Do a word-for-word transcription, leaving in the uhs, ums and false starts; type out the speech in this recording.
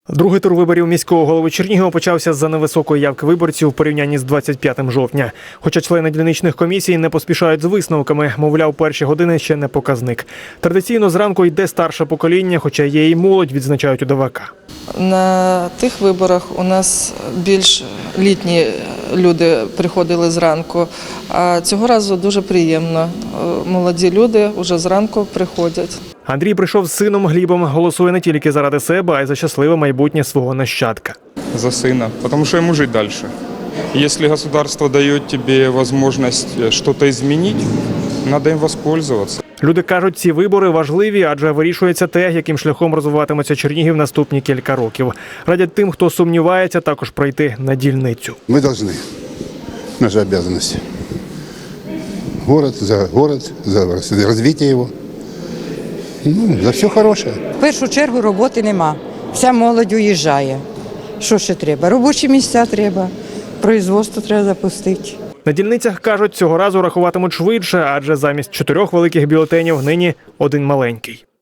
Другий тур виборів міського голови Чернігова почався з-за невисокої явки виборців у порівнянні з двадцять п'ятим жовтня. Хоча члени дільничних комісій не поспішають з висновками, мовляв, перші години ще не показник. Традиційно зранку йде старше покоління, хоча є і молодь, відзначають у ДВК. На тих виборах у нас більш літні люди приходили зранку, а цього разу дуже приємно. Молоді люди вже зранку приходять. Андрій прийшов з сином Глібом, голосує не тільки заради себе, а й за щасливе майбутнє свого нащадка. За сына, потому что ему жить дальше. Если государство дает тебе возможность что-то изменить, надо им воспользоваться. Люди кажуть, ці вибори важливі, адже вирішується те, яким шляхом розвиватиметься Чернігів наступні кілька років. Радять тим, хто сумнівається, також пройти на дільницю. Мы должны. Наша обязанность. Город за город, за развитие его. Ну, за все хороше. В першу чергу роботи нема. Вся молодь уїжджає. Що ще треба? Робочі місця треба, производство треба запустити. На дільницях, кажуть, цього разу рахуватимуть швидше, адже замість чотирьох великих бюлетенів нині один маленький.